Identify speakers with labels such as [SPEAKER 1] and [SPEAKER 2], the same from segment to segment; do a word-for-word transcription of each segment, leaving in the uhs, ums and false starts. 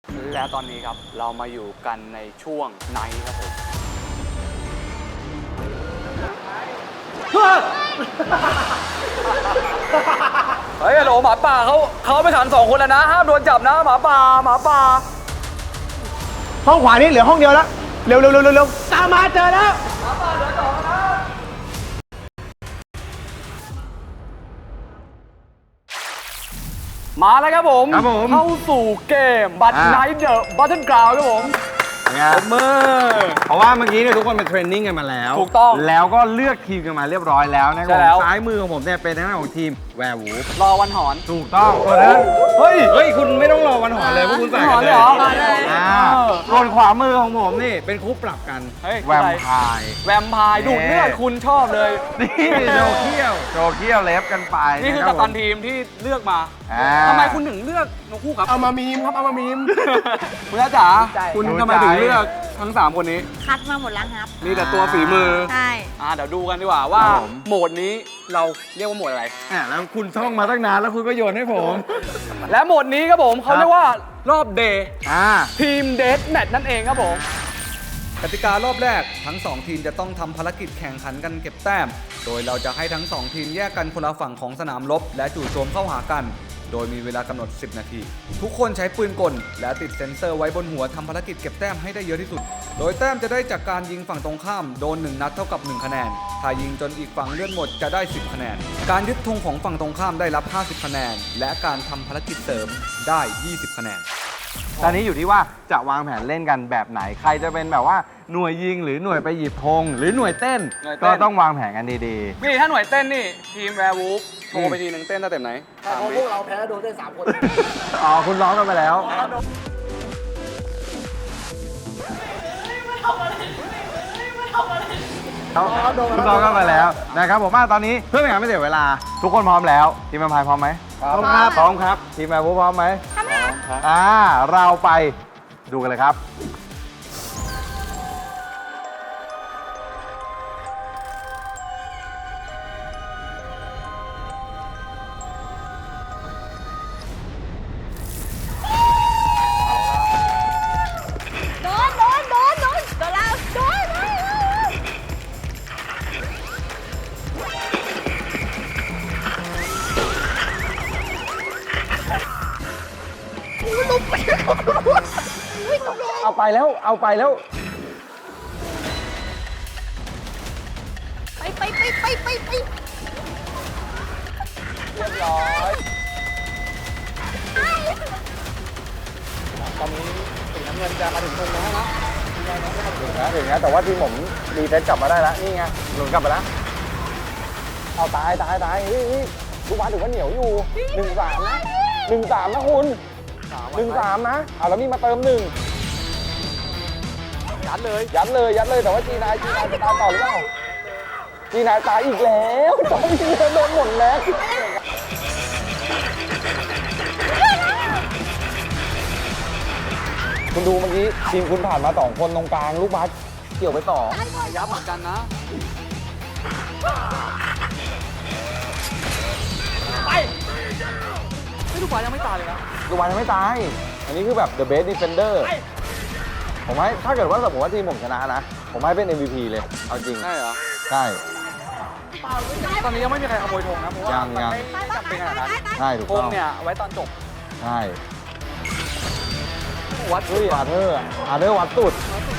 [SPEAKER 1] และตอนนี้ครับเรามาอยู่กันในช่วงไนท์ครับผมเฮ้ยฮัลโหลหมาป่าเขาเขาไปขังสองคนแล้วนะห้ามโดนจับนะหมาป่าหมาป่า
[SPEAKER 2] ห้องขวานี่เหลือห้องเดียวแล้วเร็วเร็วเร็วเร็วตามมาเจอแล้ว
[SPEAKER 1] หมาป่าเหลือสองนะมาแล้วครับผมเข้าสู่เกมบัตไนท์เดอะบัตเทิลกราวด์ครับผม
[SPEAKER 3] ผมมือเพราะว่าเมื่อกี้เนี่ยทุกคนเป็นเทรนนิ่งกันมาแล้ว
[SPEAKER 1] ถูกต้อง
[SPEAKER 3] แล้วก็เลือกทีมกันมาเรียบร้อยแล้วนะครับซ้ายมือของผมเนี่ยเป็นทางด้านของทีมแวร์วูฟ
[SPEAKER 1] รอวันหอน
[SPEAKER 3] ถูกต้องตัวนั้นเฮ้ยเฮ้ยคุณไม่ต้องรอวันหอนเลยเพราะคุณใส่กันเลยส่วนขวามือของผมนี่เป็นคู่ปรับกันแวมไพร์
[SPEAKER 1] แวมไพร์ดูดเลือดคุณชอบเลย
[SPEAKER 3] นี่โจเคี้ยวโจเคี้ยวเล็บกันไป
[SPEAKER 1] นี่คือกัปตันทีมที่เลือกมาทำไมคุณถึงเลือกนกคู่ครับ
[SPEAKER 2] เอามามีมครับเอามามีม
[SPEAKER 1] คุณอาจ๋าคุณทำไมถึงเลือกทั้งสามคนนี้
[SPEAKER 4] คัดมาหมดแล้วครับ
[SPEAKER 1] มีแต่ตัวฝีมือ
[SPEAKER 4] ใช่
[SPEAKER 1] อ่าเดี๋ยวดูกันดีกว่าว่าโหมดนี้เราเรียกว่าโหมดอะไร
[SPEAKER 3] อ่าแล้วคุณท่องมาตั้งนานแล้วคุณก็โยนให้ผม
[SPEAKER 1] และโหมดนี้ครับผมเขาเรียกว่ารอบเดย์ทีมเดธแมตช์นั่นเองครับผมกติการอบแรกทั้งสองทีมจะต้องทำภารกิจแข่งขันกันเก็บแต้มโดยเราจะให้ทั้งสองทีมแยกกันคนละฝั่งของสนามรบและจู่โจมเข้าหากันโดยมีเวลากำหนดสิบนาทีทุกคนใช้ปืนกลและติดเซ็นเซอร์ไว้บนหัวทำภารกิจเก็บแต้มให้ได้เยอะที่สุดโดยแต้มจะได้จากการยิงฝั่งตรงข้ามโดนหนึ่งนัดเท่ากับหนึ่งคะแนนถ้ายิงจนอีกฝั่งเลื่อนหมดจะได้สิบคะแนนการยึดธงของฝั่งตรงข้ามได้รับห้าสิบคะแนนและการทำภารกิจเสริมได้ยี่สิบคะแนน
[SPEAKER 3] ตอนนี้อยู่ที่ว่าจะวางแผนเล่นกันแบบไหนใครจะเป็นแบบว่าหน่วยยิงหรือหน่วยไปหยิบธงหรือหน่วยเต้นก็ต้องวางแผนกันดี
[SPEAKER 1] ๆนี่ถ้าหน่วยเต้นนี่ทีมแวร์วูฟโทรไปทีหนึ่งเต้นได้เต็มไหน
[SPEAKER 2] เพราะพวกเราแพ้โดนได้สามคน
[SPEAKER 3] อ๋อคุณร้องกันไปแล้วคุณร้องกันไปแล้วนะครับผมว่าตอนนี้เพื่อไม่ให้ไม่เสียเวลาทุกคนพร้อมแล้วทีมแวร์พายพร้อมไหม
[SPEAKER 2] พร้อมครับ
[SPEAKER 3] พร้อมครับทีมแวร์วูฟพร้อมไหม
[SPEAKER 4] พร้อมครับ
[SPEAKER 3] อ่าเราไปดูกันเลยครับ
[SPEAKER 4] โดนโดนโดนโดนโดนแล้วโดน
[SPEAKER 3] เอาไปแล้วเอาไปแล้ว
[SPEAKER 4] ไปไปไปไปไปไป
[SPEAKER 1] เรียบร้อยตอนนี้สีน้ำเงินจะมาถึงตรงแล้วนะ
[SPEAKER 3] ถึงนะถึงนะแต่ว่าทีมผมรีเซ็ตกลับมาได้แล้วนี่ไงหลุดกลับมาแล้วเอาตายตายตายนี่ทุกวันถือว่าเหนียวอยู่หนึ่งสามนะหนึ่งสามนะคุณหนึ่งสามนะเอาแล้วมีมาเติมหนึ่ง
[SPEAKER 1] ยัดเลย
[SPEAKER 3] ยัดเลยยัดเลยแต่ว่าจีนายจีนายจะตายต่อหรือเปล่าจีนายตายอีกแล้วตอนนี้โดนหมดแล้วคุณดูเมื่อกี้ทีมคุณผ่านมาสองคนตรงกลางลูกบาสเกี่ยวไปต่อ
[SPEAKER 1] ยับเหมือนกันนะไปไม่ลูกบาสยังไม่ตายเลยนะ
[SPEAKER 3] ลูกบาสยังไม่ตายอันนี้คือแบบ the best defender ผมให้ถ้าเกิดว่าสมมติว่าทีมผมชนะนะผมให้เป็น เอ็ม วี พี เลยเอาจริง
[SPEAKER 1] ใช่เหรอ
[SPEAKER 3] ใช่
[SPEAKER 1] ตอนนี้ยังไม่มีใครขโมยธงนะเพราะว่ามันไม่จำเป็นขนาดนั้น
[SPEAKER 3] ใช่ถูกต้อง
[SPEAKER 1] ธงเนี่ยไว้ตอนจบ
[SPEAKER 3] ใช่
[SPEAKER 1] วัด
[SPEAKER 3] เฮ้ยอาเธอร์อาเธอร์วัดสุด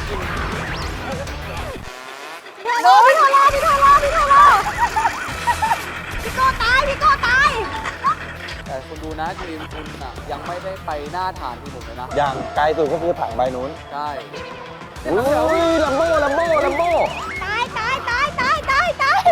[SPEAKER 4] โดนพี่โทรรอพี่โทรรอพี่โทรรอพี่โก้ตายพี่โก้ตาย
[SPEAKER 1] แต่คุณดูนะทีมคุณน่ะยังไม่ได้ไปหน้าฐานทีมผมเลยนะ
[SPEAKER 3] อย่างไกลสุดก็คือถังใบนู้น
[SPEAKER 1] ใช่
[SPEAKER 3] อุ้ยลัมโบ้ลัมโบ้ลัมโบ้
[SPEAKER 4] ตายตายตายตายตายตาย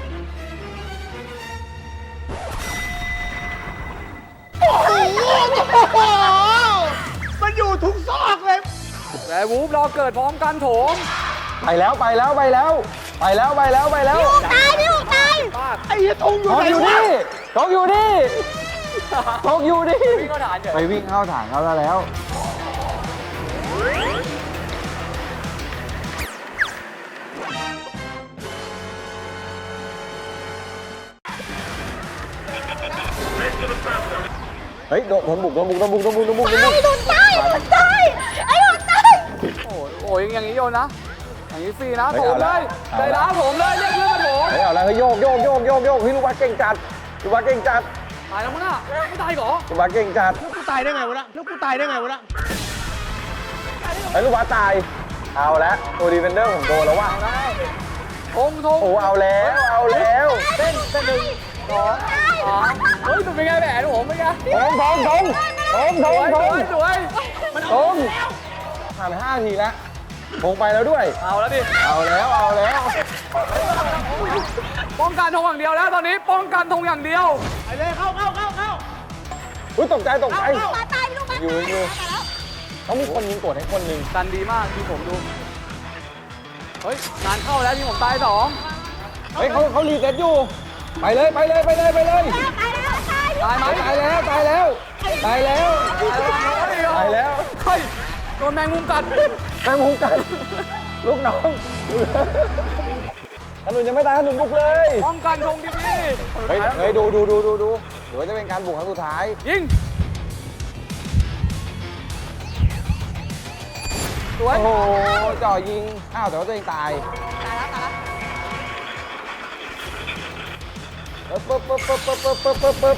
[SPEAKER 2] มันอยู่ทุกซอกเลย
[SPEAKER 1] แวร์วูฟรอเกิดพร้อมกันโถม
[SPEAKER 3] ไปแล้วไปแล้วไปแล้วไปแล้วไปแล้วไปแล้ว
[SPEAKER 4] พี่หูตายพี่หูตาย
[SPEAKER 2] ไอ้ทงอยู่ไหนวะ
[SPEAKER 3] ทงอยู่นี่ทงอยู่นี่
[SPEAKER 1] วิ่งเข้าฐาน
[SPEAKER 3] ไปวิ่งเข้าฐานเขาแล้วเฮ้ยโดนบุกโดนบุกโดนบุกโดนบุกโดนบุกโดนบุก
[SPEAKER 4] โดนตายโดนตาย
[SPEAKER 1] โยนนะอย่างนี้ฟรีนะ
[SPEAKER 3] เฮ้
[SPEAKER 1] โถ
[SPEAKER 3] ย
[SPEAKER 1] ม
[SPEAKER 3] เอา
[SPEAKER 1] เล
[SPEAKER 3] ละ
[SPEAKER 1] ย
[SPEAKER 3] เอา
[SPEAKER 1] ใจ
[SPEAKER 3] ละ
[SPEAKER 1] ร้าวผมเลยเรียกเพื่อนมาโถม
[SPEAKER 3] เฮ้ยเอาแล้วเฮ้ยโยกโยกโยกโยกโยกพี่ลูกวัดเก่งจัดลูกวัดเก่งจัด
[SPEAKER 1] ตายแล้วมั้งน่ะไม่ตายเหรอ
[SPEAKER 3] ลูกวัดเก่งจัด
[SPEAKER 2] แล้วกูตายได้ไงวะละแล้วกูตายได้ไงวะละ
[SPEAKER 3] เฮ้ยลูกวัดตายเอาแล้วตัวดีเฟนเดอร์ผมโดนแล้วว่ะ
[SPEAKER 1] ทงทง
[SPEAKER 3] โอ้เอาแล้วเอาแล้ว
[SPEAKER 1] เต้นเต้นหนึ่งสองสามเฮ้ยเป็นไงแหวนผมเป็นไง
[SPEAKER 3] ทงทงทงทงท
[SPEAKER 1] ส
[SPEAKER 3] ง
[SPEAKER 1] วย
[SPEAKER 3] ท
[SPEAKER 1] ส
[SPEAKER 3] ง
[SPEAKER 1] วยสวย
[SPEAKER 3] ทงผ่านไปห้าทีแล้วทงไปแล้วด้วย
[SPEAKER 1] เอาแล้วดิ
[SPEAKER 3] เอาแล้วเอาแล้ว
[SPEAKER 1] ป้องกันธงอย่างเดียวแล้วตอนนี้ป้องกันธงอย่างเดียว
[SPEAKER 2] ไปเลยเข้าเข้าเข้าเข้า
[SPEAKER 3] อุ้ยตกใจตกใจ
[SPEAKER 4] ลูกมาตายลูกมา
[SPEAKER 3] อยู่อยู่ ต้องมีคนยิงกดให้คนหนึ่ง
[SPEAKER 1] กันดีมากที่ผมดูเฮ้ยงานเข้าแล้วที่ผมตายสอง
[SPEAKER 3] เฮ้ยเขาเขารีเซ็ตอยู่ ไปเลยไปเลยไปเลยไปเลย
[SPEAKER 4] ตายแล้วตาย
[SPEAKER 1] ตายไหม
[SPEAKER 3] ตายแล้วตายแล้วตายแล้วตายแล้ว
[SPEAKER 1] เฮ้ยโดนแมงมุมกัด
[SPEAKER 3] แม่งมุงกันลูกน้องขนุนยังไม่ตายขนุนบุกเลย
[SPEAKER 1] ป้องกันธงดี
[SPEAKER 3] เฮ้ยเฮ้ยดูดูดูดูดูหรือว่าจะเป็นการบุกครั้งสุดท้าย
[SPEAKER 1] ยิงสวย
[SPEAKER 3] โอ้โหจ่อยิงอ้าวแต่ว่าตัวเองตาย
[SPEAKER 4] ตายแล้วตายแล้ว
[SPEAKER 3] ปึ๊บปึ๊บปึ๊บปึ๊บปึ๊บปึ๊บปึ๊บปึ๊บ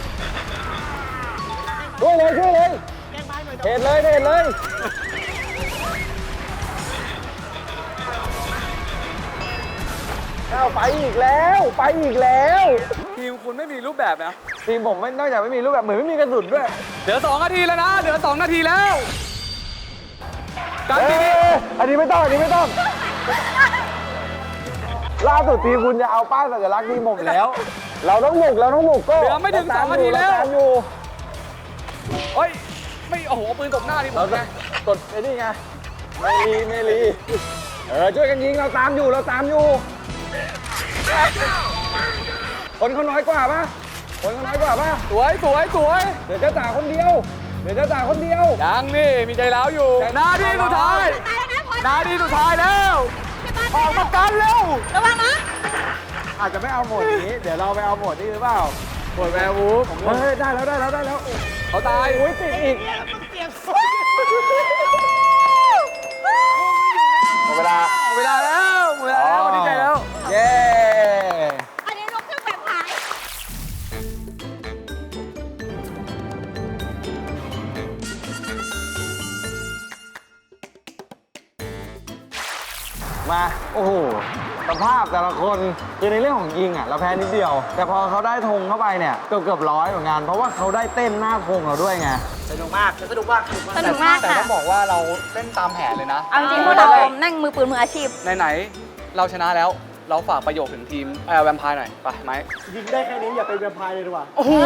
[SPEAKER 3] ช่วยเลยช่วยเลย
[SPEAKER 2] แกงไปหน่อย
[SPEAKER 3] เห็นเลยเห็นเลยอ้าวไปอีกแล้วไปอีกแล้ว
[SPEAKER 1] ทีมคุณไม่มีรูปแบบนะ
[SPEAKER 3] ทีมผมไม่นอกจากไม่มีรูปแบบเหมือนไม่มีกระสุนด้วย
[SPEAKER 1] เหลือสองนาทีแล้วนะเหลือสองนาทีแล้วการ
[SPEAKER 3] เอ้
[SPEAKER 1] ทีนี้
[SPEAKER 3] ยอันนี้ไม่ต้องอันนี้ไม่ต้อง ล่าสุดทีมคุณจะเอาป้ายสัญลักษณ์ทีมผมแล้ว เราต้องบุกเราต้องบุกก็
[SPEAKER 1] เหลือไม่ถึงสองนาทีแล้ว
[SPEAKER 3] เราตามอยู่
[SPEAKER 1] เฮ้ยไม่โอ้โหปืนตบหน้าทีผ
[SPEAKER 3] เรา
[SPEAKER 1] ม
[SPEAKER 3] จะ
[SPEAKER 1] ไง
[SPEAKER 3] กดไอ้นี่ไงเมลีเมลีเออช่วยกันยิงเราตามอยู่เราตามอยู่คนเขาน้อยกว่าปะคนเขาน้อยกว่าปะ
[SPEAKER 1] สวยสวยสวย
[SPEAKER 3] เดี๋ยวเจ้าจ่าคนเดียวเดี๋ยวเจ้าจ่าคนเดียว
[SPEAKER 1] ยังนี่มีใจร้าวอยู่นาทีสุดท้าย
[SPEAKER 4] ตายแล้วนะพอ
[SPEAKER 1] นาทีสุดท้ายแล้วออกมากันเร็ว
[SPEAKER 4] ระวังนะ
[SPEAKER 3] อาจจะไม่เอาโหมดนี้ เดี๋ยวเราไปเอาโหมดนี้หรือเปล่าโหมดแวร์วูฟเฮ้ยได้แล้วได้แล้วได้แล้ว
[SPEAKER 1] เขาตาย
[SPEAKER 3] โอ้ยติดอีกหมดเวลา
[SPEAKER 1] หมดเวลาแล้วหมดเวลาแล้วดีใจแล้ว
[SPEAKER 3] เย้
[SPEAKER 4] อันนี้ลูกเครื่องแบบหาย
[SPEAKER 3] มาโอ้โหสภาพแต่ละคนคือในเรื่องของยิงอ่ะเราแพ้นิดเดียว แต่พอเขาได้ธงเข้าไปเนี่ยเกือบเกือบร้อยเหมือนกันเพราะว่าเขาได้เต้นหน้าธงเราด้วยไง
[SPEAKER 2] สนุกมากสนุกมาก
[SPEAKER 4] สนุกมาก
[SPEAKER 1] แต่
[SPEAKER 4] ค่ะ
[SPEAKER 1] ต้องบอกว่าเราเล่นตามแผนเลยนะ
[SPEAKER 4] เอาจริงๆพวกเรานั่งมือปืนมืออาชีพ
[SPEAKER 1] ไหนๆเราชนะแล้วเราฝากประโยคถึงทีมแอร์แวมไพร์หน่อยไปไหม
[SPEAKER 2] ยิงได้แค่นี้อย่าเป็นแวมไพร์เลยดีกว่า
[SPEAKER 1] โอ้โห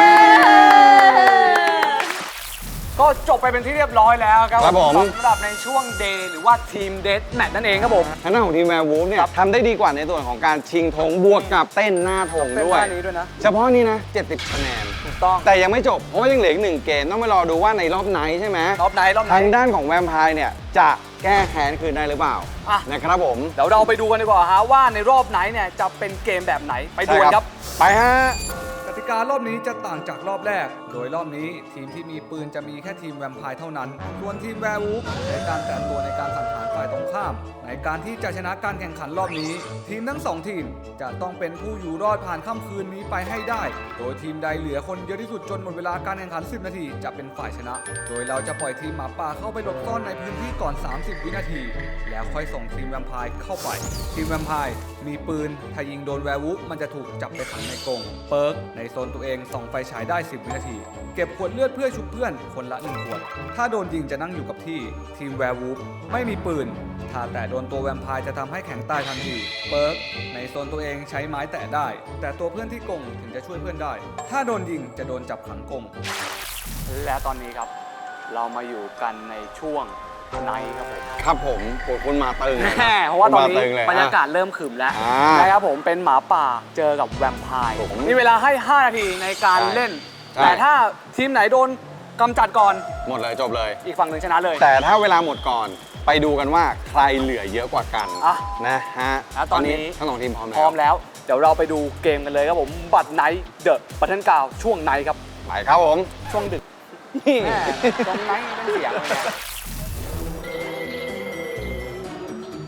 [SPEAKER 1] ก็จบไปเป็นที่เรียบร้อยแล้วครับ
[SPEAKER 3] ครับผม
[SPEAKER 1] สำหรับในช่วงเดย์หรือว่าทีมเดทแมตช์นั่นเองครับผม
[SPEAKER 3] ทางด้านของทีมแวร์วูฟเนี่ยทำได้ดีกว่าในส่วนของการชิงธงบวกกับเต้นหน้าธง
[SPEAKER 1] เป็น
[SPEAKER 3] ด้วย
[SPEAKER 1] ท่านี้ด้วยนะ
[SPEAKER 3] เฉพาะนี้นะเจ็ดสิบคะแนน
[SPEAKER 1] ถูกต้อง
[SPEAKER 3] แต่ยังไม่จบ เพราะว่ายังเหลืออีกหนึ่งเกมต้องไปรอดูว่าในรอบไหนใช่ไหม
[SPEAKER 1] รอบไหนรอบไหน
[SPEAKER 3] ทางด้านของแวมไพร์เนี่ยจะแก้แค้นคืนได้หรือเปล่า
[SPEAKER 1] อ่ะ
[SPEAKER 3] นะครับผม
[SPEAKER 1] เดี๋ยวเราไปดูกันดีกว่าฮะว่าในรอบไหนเนี่ยจะเป็นเกมแบบไหนไปดูกันครับ
[SPEAKER 3] ไปฮะ
[SPEAKER 1] กติการอบนี้จะต่างจากรอบแรก โดยรอบนี้ทีมที่มีปืนจะมีแค่ทีมแวมไพร์เท่านั้น ส่วนทีมแวร์วูฟใช้การแต่งตัวในการสังหารฝ่ายตรงข้าม ในการที่จะชนะการแข่งขันรอบนี้ ทีมทั้งสองทีมจะต้องเป็นผู้อยู่รอดผ่านค่ำคืนนี้ไปให้ได้ โดยทีมใดเหลือคนเยอะที่สุดจนหมดเวลาการแข่งขัน สิบ นาทีจะเป็นฝ่ายชนะ โดยเราจะปล่อยทีมหมาป่าเข้าไปหลบซ่อนในพื้นที่ก่อน สามสิบ วินาที แล้วค่อยส่งทีมแวมไพร์เข้าไป ทีมแวมไพร์มีปืนถ้ายิงโดนแวร์วูฟมันจะถูกจับไปขังในกรงเปิร์กในโซนตัวเองส่องไฟฉายได้ สิบ วินาที เก็บขวดเลือดเพื่อชุบเพื่อนคนละหนึ่งขวด ถ้าโดนยิงจะนั่งอยู่กับที่ ทีมแวร์วูฟไม่มีปืน ถ้าแต่โดนตัวแวมไพร์จะทำให้แข็งตายทันที เปิร์กในโซนตัวเองใช้ไม้แตะได้ แต่ตัวเพื่อนที่กรงถึงจะช่วยเพื่อนได้ ถ้าโดนยิงจะโดนจับขังกรงและตอนนี้ครับ เรามาอยู่กันในช่วงไนท์ครับผม
[SPEAKER 3] ครับผมปวดคุณมาตึง
[SPEAKER 1] แน่เพราะว่าตอนนี้
[SPEAKER 3] คุณมตึงล
[SPEAKER 1] บรรยากาศเริ่มขรึมแล้ว
[SPEAKER 3] อ่า
[SPEAKER 1] นะครับผมเป็นหมาป่าเจอกับแวมไพร์
[SPEAKER 3] ผม
[SPEAKER 1] มีเวลาให้ ห้า นาทีในการ
[SPEAKER 3] ใช่
[SPEAKER 1] เล่น
[SPEAKER 3] ใช่
[SPEAKER 1] แต่ถ้าทีมไหนโดนกำจัดก่อน
[SPEAKER 3] หมดเลยจบเลย
[SPEAKER 1] อีกฝั่งหนึ่งชนะเลย
[SPEAKER 3] แต่ถ้าเวลาหมดก่อนไปดูกันว่าใครเหลือเยอะกว่ากัน
[SPEAKER 1] อ่ะ
[SPEAKER 3] นะฮะ
[SPEAKER 1] แล้วตอนนี้
[SPEAKER 3] ทั้งสองทีมพร้อม
[SPEAKER 1] พร้อม
[SPEAKER 3] แล้ว
[SPEAKER 1] แล้ว เดี๋ยวเราไปดูเกมกันเลยครับผม บัตรไนท์เดอะบัตเทิลกาวช่วงไนท์ครับ
[SPEAKER 3] ไปครับผม
[SPEAKER 1] ช่วงดึกแม่ช่วงไนท์เป็นเสียงเลยนะ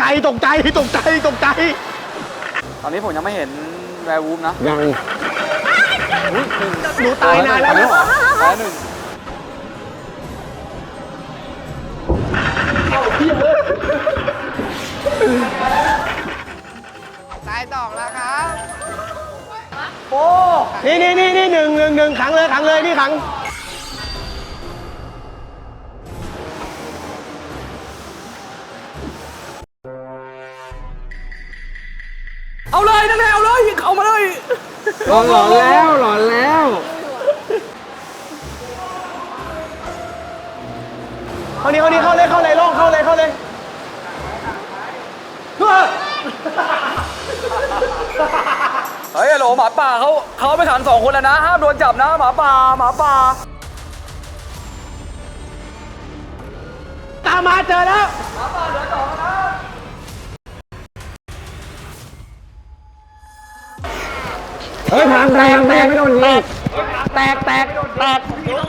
[SPEAKER 2] ใจตกใจตกใจตกใจ
[SPEAKER 1] ตอนนี้ผมยังไม่เห็นแวร์วูฟนะ
[SPEAKER 3] ยัง
[SPEAKER 2] หนูตายนานแล้ว
[SPEAKER 1] เหรอตายหนึ่ง
[SPEAKER 2] นี่นี่นี่นี่หนึ่งหนึ่งหนึ่งขังเลยขังเลยนี่ขัง
[SPEAKER 1] เอาเลยนั่นแหละเอาเลยเอามาเลย
[SPEAKER 3] หลอนหลอนแล้วหลอนแล้ว
[SPEAKER 2] เข้านี่เข้านี่เข้าเลยเข้าเลยล่องเข้าเลยเข้าเลย
[SPEAKER 1] เฮ้ยโหลหมาป่าเขาเขาไปขันสองคนแล้วนะห้ามโดนจับนะหมาป่าหมาป่า
[SPEAKER 2] ตามมาเจอแล้ว
[SPEAKER 3] เฮ้ยทางแรงแรงไม่โดนยิง
[SPEAKER 2] แตกแตกแตก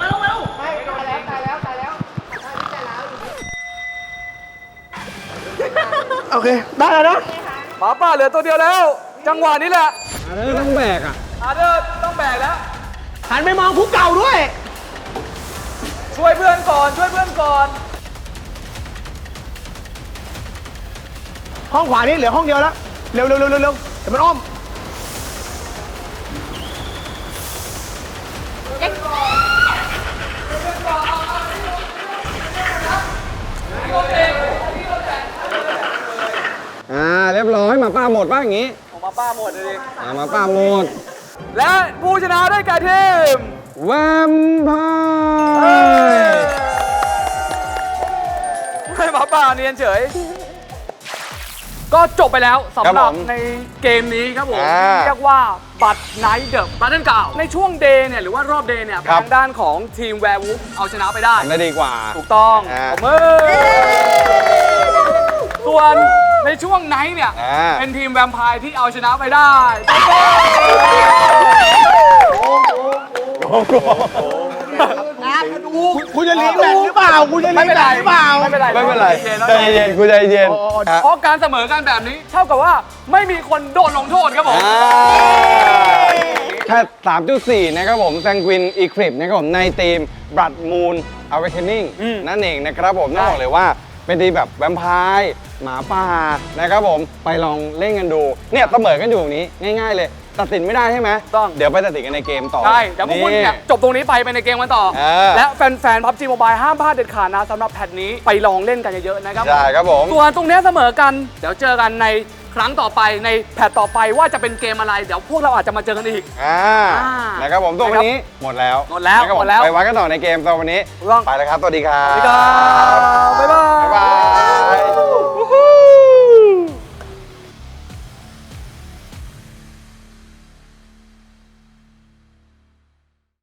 [SPEAKER 2] โอเคได้แล้วนะ
[SPEAKER 1] หมาป่าเหลือตัวเดียวแล้ว จังหวะนี้แหละ
[SPEAKER 3] อันนี้ต้องแบกอ่ะ
[SPEAKER 1] อาเดอร์ต้องแบกแล้ว
[SPEAKER 2] หันไปมองคุกเก่าด้วย
[SPEAKER 1] ช่วยเพื่อนก่อนช่วยเพื่อนก่อน
[SPEAKER 2] ห้องขวานี่เหลือห้องเดียวแล้วเร็วเร็วเร็วเร็วเร็วเดี๋ยวมันอ้อม
[SPEAKER 3] อ่าเรียบร้อยหมาป้าหมดป่ะอย่างงี้
[SPEAKER 1] ออกมาป้าหมดเลย
[SPEAKER 3] อ่าหมาป้าหมด
[SPEAKER 1] และผู้ชนะได้แก่ทีม
[SPEAKER 3] แวมไพร์
[SPEAKER 1] ให้หมาป่าเนียนเฉย ก็จบไปแล้วสำหรับในเกมนี้ครับผมเรียกว่าบัตรไนท์เดอะบัตเทิลเก่าในช่วงเดย์เนี่ยหรือว่ารอบเดย์เนี่ยทางด้านของทีมแวร์วูฟเอาชนะไปได้
[SPEAKER 3] ทำได้ดีกว่า
[SPEAKER 1] ถูกต้อง
[SPEAKER 3] อ่า
[SPEAKER 1] ผมเอส่วนในช่วงไนท์เนี่ย
[SPEAKER 3] อ่า
[SPEAKER 1] เป็นทีมแวมไพร์ที่เอาชนะไปได้
[SPEAKER 2] คุณจะลีกแบตหรือเปล่าคุณจะลีกแบตหรือเปล่า
[SPEAKER 1] ไม่เป็นไร
[SPEAKER 3] ไม่เป็นไร
[SPEAKER 1] ใจ
[SPEAKER 3] ใจ
[SPEAKER 1] เย็น
[SPEAKER 3] เย็นกูใจเย็นอ่ะ
[SPEAKER 1] เพราะการเสมอกันแบบนี้เท่ากับว่าไม่มีคนโดนลงโทษครับผม
[SPEAKER 3] อ่าแค่สามจุดสี่นะครับผมแซงควินอีคลิปนะครับผมในทีม Blood Moon Awakening นั่นเองนะครับผมต้องบอกเลยว่าเป็นทีมแบบแวมไพร์หมาป่านะครับผมไปลองเล่นกันดูเนี่ยเสมอกันอยู่อย่างนี้ง่ายๆเลยตัดสินไม่ได้ใช่ไหม
[SPEAKER 1] ต้อง
[SPEAKER 3] เดี๋ยวไปตัดสินกันในเกมต่อ
[SPEAKER 1] ใช่เดี๋ยวพวกคุณเนี่ยจบตรงนี้ไปไปในเกมกันต่อ
[SPEAKER 3] เออ
[SPEAKER 1] และแฟนๆ พับจี Mobile ห้ามพลาดเด็ดขาดนะสำหรับแพทนี้ไปลองเล่นกันเยอะๆนะครับ
[SPEAKER 3] ใช่ครับผม
[SPEAKER 1] ส่วนตรงเนี้ยเสมอกัน เดี๋ยวเจอกันในครั้งต่อไปในแพทต่อไปว่าจะเป็นเกมอะไร เดี๋ยวพวกเราอาจจะมาเจอกันอีก
[SPEAKER 3] อ่า
[SPEAKER 1] อ่า
[SPEAKER 3] นะครับผมตัววันนี้หมดแล้ว
[SPEAKER 1] หมดแล้ว
[SPEAKER 3] นะครับผ
[SPEAKER 1] หมดแล้ว
[SPEAKER 3] ไปวัดกันต่อในเกมตัววันนี้
[SPEAKER 1] ถูกต้อง
[SPEAKER 3] ไปแล้วครับสวัสดีครับ
[SPEAKER 1] สวัสดีครับบ๊ายบาย